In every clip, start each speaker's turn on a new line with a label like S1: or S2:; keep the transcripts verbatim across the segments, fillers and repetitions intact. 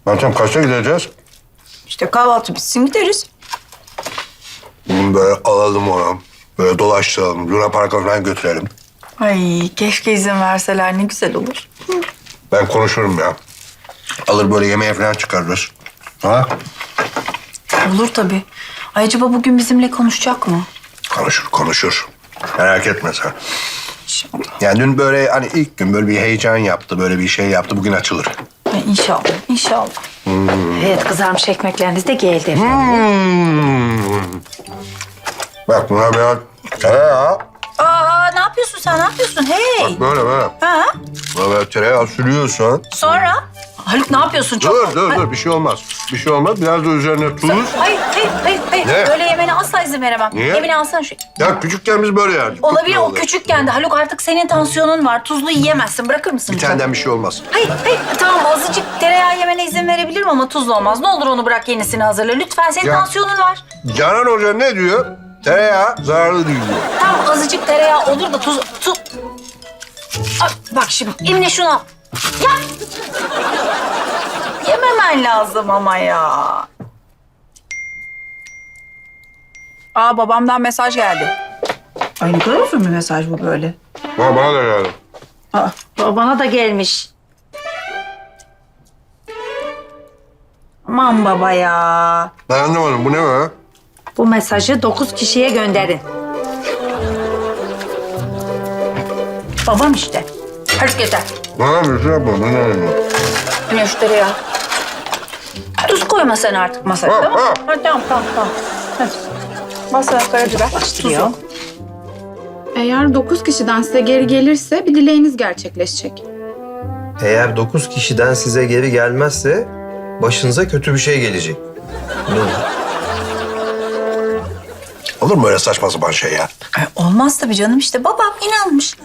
S1: Meltem kaçta gideceğiz?
S2: İşte kahvaltı bitsin gideriz.
S1: Bunu böyle alalım onu. Böyle dolaştıralım. Luna Park'a falan götürelim.
S2: Ay keşke izin verseler ne güzel olur.
S1: Ben konuşurum ya. Alır böyle yemeğe falan çıkarırız. Ha?
S2: Olur tabii. Ay acaba bugün bizimle konuşacak mı?
S1: Konuşur, konuşur. Merak etme sen.
S2: İnşallah.
S1: Yani dün böyle hani ilk gün böyle bir heyecan yaptı, böyle bir şey yaptı. Bugün açılır.
S2: Ay, inşallah, inşallah.
S3: Evet, kızarmış ekmekleriniz de geldi.
S1: Hmm. Bak buna biraz tereyağı.
S2: Aa ne yapıyorsun sen? Ne yapıyorsun? Hey.
S1: Bak böyle böyle.
S2: Ha?
S1: Buna böyle tereyağı sürüyorsun.
S2: Sonra? Haluk ne yapıyorsun? Çok...
S1: Dur, dur, dur. Bir şey olmaz. Bir şey olmaz. Biraz da üzerine tuz.
S2: Hayır, hayır, hayır, hayır.
S1: Ne?
S2: Böyle yemene asla izin veremem.
S1: Niye?
S2: Emine alsana şu.
S1: Ya küçükken biz böyle yerdik.
S2: Olabilir, o
S1: Çok
S2: küçükken de. Haluk artık senin tansiyonun var. Tuzlu yiyemezsin. Bırakır mısın?
S1: Bir taneden bir şey olmaz.
S2: Hayır, hayır. Tamam azıcık tereyağı yemene izin verebilirim ama tuzlu olmaz. Ne olur onu bırak yenisini hazırla. Lütfen senin
S1: Ya.
S2: tansiyonun var.
S1: Canan Hoca ne diyor? Tereyağı zararlı değil diyor.
S2: Tamam azıcık tereyağı olur da tuz... tuz... Ay, bak şimdi Emine şunu al. Ya! Yememen lazım ama ya. Aa babamdan mesaj geldi. Ay ne kadar uzun bir mesaj bu böyle.
S1: Ha, bana da geldi.
S2: Aa,
S3: Bana da gelmiş.
S2: aman baba ya.
S1: Ben anlamadım. Bu ne be?
S3: Bu mesajı dokuz kişiye gönderin.
S2: Babam işte. Hadi yeter.
S1: Bana bir şey yapma. Ben anlamadım.
S2: Emine şu tereyağı. Tuz koyma sen artık masaya
S1: Ha,
S2: tamam mı?
S1: ha.
S2: Hadi tamam tamam tamam. Hadi. Masaya karabiber. Tuzu.
S4: Eğer dokuz kişiden size geri gelirse bir dileğiniz gerçekleşecek.
S5: Eğer dokuz kişiden size geri gelmezse başınıza kötü bir şey gelecek. Ne olur?
S1: Olur mu öyle saçma sapan şey ya?
S2: Ay, olmaz tabii canım işte babam inanmış.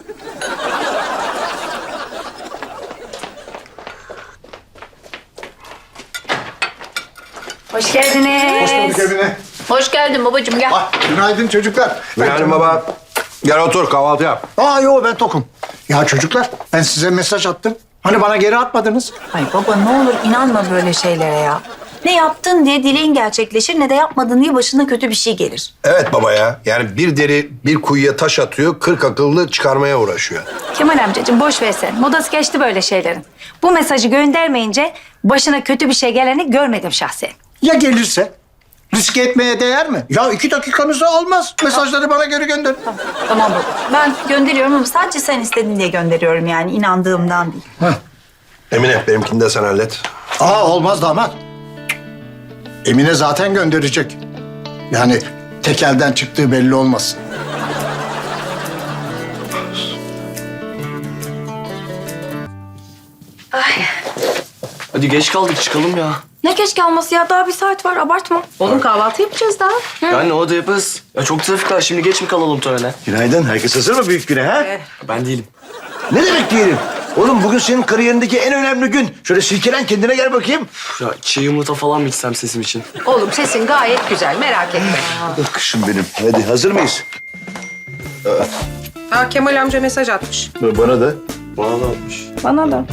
S3: Hoş geldiniz.
S6: Hoş bulduk evine.
S2: Hoş geldin babacığım gel.
S6: Ah, günaydın çocuklar.
S1: Yani baba gel otur kahvaltı yap.
S6: Aa yo ben tokum. Ya çocuklar ben size mesaj attım. Hani bana geri atmadınız?
S2: Ay baba ne olur inanma böyle şeylere ya. Ne yaptın diye dileğin gerçekleşir ne de yapmadın diye başına kötü bir şey gelir.
S1: Evet baba ya. Yani bir deri bir kuyuya taş atıyor, kırk akıllı çıkarmaya uğraşıyor.
S3: Kemal amcacığım boş ver sen. Modası geçti böyle şeylerin. Bu mesajı göndermeyince başına kötü bir şey geleni görmedim şahsen.
S6: Ya gelirse? Riske etmeye değer mi? Ya iki dakikanızı almaz. Mesajları bana geri gönderin.
S2: Tamam baba. Ben gönderiyorum ama sadece sen istedin diye gönderiyorum yani inandığımdan değil.
S1: Emine benimkini de sen hallet.
S6: Aa olmaz damat. Emine zaten gönderecek. Yani tekelden çıktığı belli olmasın.
S7: Hadi geç kaldık çıkalım ya.
S2: Ne geç kalması ya daha bir saat var abartma.
S4: Oğlum kahvaltı yapacağız daha.
S7: Yani o da yaparız. Ya çok trafik var şimdi geç mi kalalım törene?
S8: Günaydın. Herkes hazır mı büyük güne ha?
S7: Ben değilim.
S8: Ne demek diyelim? Oğlum bugün senin kariyerindeki en önemli gün. Şöyle silkelen kendine gel bakayım.
S7: Ya çiğ yumurta falan mı içsem sesim için?
S3: Oğlum sesin gayet güzel merak etme.
S8: Oh, kışım benim. Hadi hazır mıyız?
S4: Aa, Kemal amca mesaj atmış.
S8: Bana da.
S7: Bana da atmış.
S4: Bana da.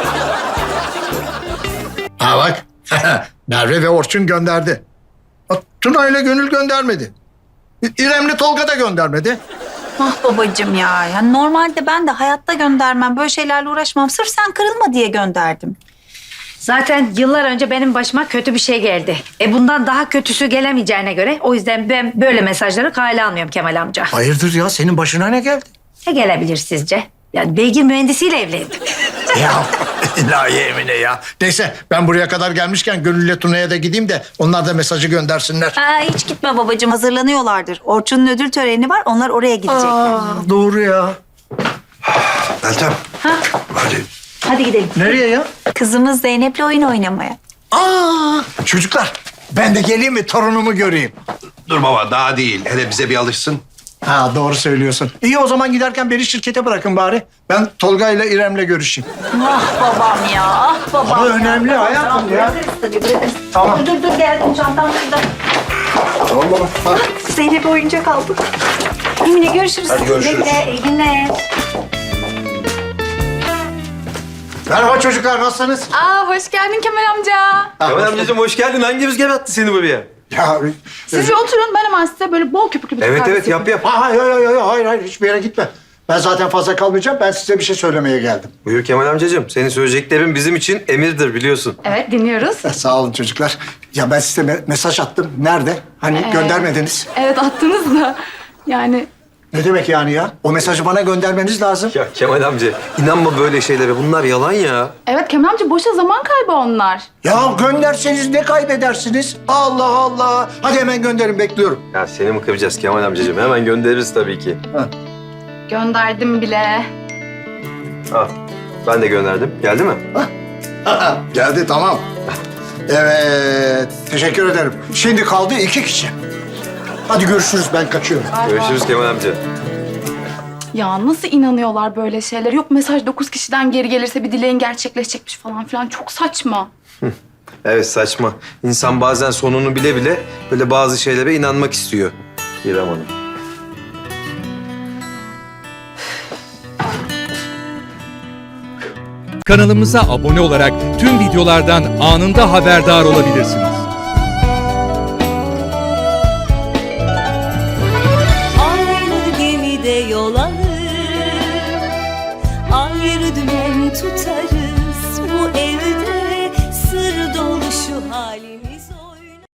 S6: Ha bak. Merve ve Orçun gönderdi. Bak, Tuna ile Gönül göndermedi. İremli Tolga da göndermedi.
S2: Ah babacığım ya. Yani normalde ben de hayatta göndermem. Böyle şeylerle uğraşmam. Sırf sen kırılma diye gönderdim.
S3: Zaten yıllar önce benim başıma kötü bir şey geldi. E bundan daha kötüsü gelemeyeceğine göre o yüzden ben böyle mesajları kale almıyorum Kemal amca.
S6: Hayırdır ya senin başına ne geldi?
S3: Ne gelebilir sizce? Yani beygir mühendisiyle evlendim.
S6: Ya ilahi Emine ya. Neyse ben buraya kadar gelmişken Gönül'le Tuna'ya da gideyim de onlar da mesajı göndersinler.
S2: Ha, hiç gitme babacığım. Hazırlanıyorlardır. Orçun'un ödül töreni var. Onlar oraya gidecek.
S6: Doğru ya.
S1: Meltem. Hadi.
S2: Hadi gidelim.
S6: Nereye ya?
S2: Kızımız Zeynep'le oyun oynamaya.
S6: Aa, çocuklar ben de geleyim mi torunumu göreyim?
S1: Dur baba daha değil. Hele bize bir alışsın.
S6: Ha doğru söylüyorsun. İyi o zaman giderken beni şirkete bırakın bari. Ben Tolga ile İrem'le görüşeyim.
S2: Ah babam ya. Ah babam
S6: Ama
S2: ya.
S6: önemli hayatım ya.
S2: Bırakırız tabii bırakırız.
S6: Tamam.
S2: Dur dur dur geldim çantam şurada.
S6: Tamam baba. Ha.
S2: Zeynep oyuncak aldı. Emine görüşürüz.
S1: Hadi görüşürüz.
S2: Güle güle, iyi günler.
S6: Merhaba çocuklar, nasılsınız?
S4: Aa hoş geldin Kemal amca.
S5: Kemal amcacığım hoş geldin. Hangi rüzgar attı seni buraya?
S6: Ya,
S4: Siz bir oturun ben hemen size böyle bol köpüklü bir
S5: Evet
S4: kahve
S5: evet yap
S4: yapayım.
S5: yap.
S6: hayır, hayır, hayır, hayır, hayır, hiçbir yere gitme. Ben zaten fazla kalmayacağım, ben size bir şey söylemeye geldim.
S5: Buyur Kemal amcacığım. Senin söyleyeceklerin bizim için emirdir biliyorsun.
S4: Evet dinliyoruz.
S6: Eh, Sağ olun çocuklar. Ya ben size me- mesaj attım. Nerede? Hani
S4: Ee?
S6: göndermediniz.
S4: Evet attınız da yani
S6: Ne demek yani ya? O mesajı bana göndermeniz lazım.
S5: Ya Kemal amca inanma böyle şeylere. Bunlar yalan ya.
S4: evet Kemal amca boşa zaman kaybı onlar.
S6: Ya gönderseniz ne kaybedersiniz? Allah Allah. Hadi hemen gönderin, bekliyorum.
S5: Ya seni mi kıracağız Kemal amcacığım? Hemen göndeririz tabii ki.
S4: Gönderdim bile.
S5: Al. Ben de gönderdim. Geldi mi?
S6: Geldi, tamam. Evet, teşekkür ederim. Şimdi kaldı iki kişi. Hadi görüşürüz, ben kaçıyorum.
S5: Görüşürüz Kemal amca.
S4: Ya nasıl inanıyorlar böyle şeyler? Yok mesaj dokuz kişiden geri gelirse bir dileğin gerçekleşecekmiş falan filan. Çok saçma.
S5: Evet saçma. İnsan bazen sonunu bile bile böyle bazı şeylere inanmak istiyor. İrem Hanım.
S9: Kanalımıza abone olarak tüm videolardan anında haberdar olabilirsiniz.
S10: Aynı gemide yol alır, ayrı dümen tutarız. Bu evde sır dolu şu halimiz.